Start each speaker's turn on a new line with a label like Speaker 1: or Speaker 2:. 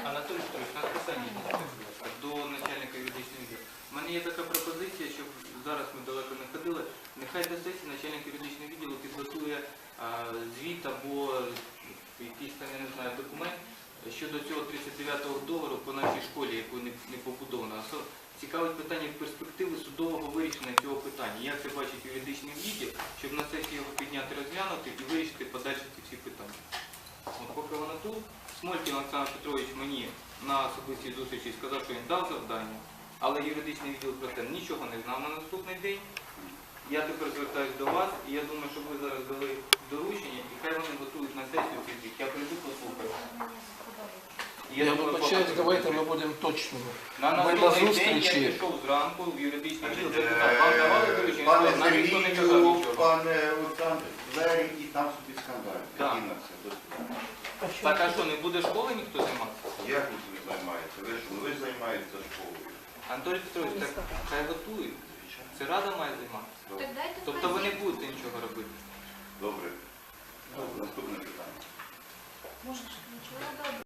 Speaker 1: Анатолій Петрович, на питання до начальника юридичного відділу. У мене є така пропозиція, щоб зараз ми далеко не ходили, нехай до сесії начальник юридичного відділу підготує звіт або якийсь там, я не знаю, документ щодо цього 39-го договору по нашій школі, яку не побудовано. Цікавить питання перспективи судового вирішення цього питання. Як це бачить юридичний відділ, щоб на сесії його підняти, розглянути і вирішити подальші ці всі питання. От поки вона тут, Смолькін Олександр Петрович мені на особистій зустрічі сказав, що він дав завдання, але юридичний відділ про це нічого не знав на наступний день. Я тепер звертаюся до вас, і я думаю, що ви зараз дали доручення, і хай вони готують на сесію цей звіт. Я прийду, послухаю.
Speaker 2: Я вибачаюсь, давайте ми будемо точними.
Speaker 1: На наступний день я пішов зранку в юридичний відділ, запитав, вам давали доручення?
Speaker 3: Пане
Speaker 1: Нам ніхто не казав
Speaker 3: Сергію,
Speaker 1: нічого.
Speaker 3: пане Олександр, двері і там собі скандаль.
Speaker 1: Так.
Speaker 3: Які на це досвідчення?
Speaker 1: Так, а що, не буде школи ніхто займатися?
Speaker 3: Як ви займаєтеся? Ви займаєтеся школою.
Speaker 1: Анатолій Петрович, так хай готують. Це Рада має займатися. Тобто ви не будете нічого робити.
Speaker 3: Добре. Наступне питання.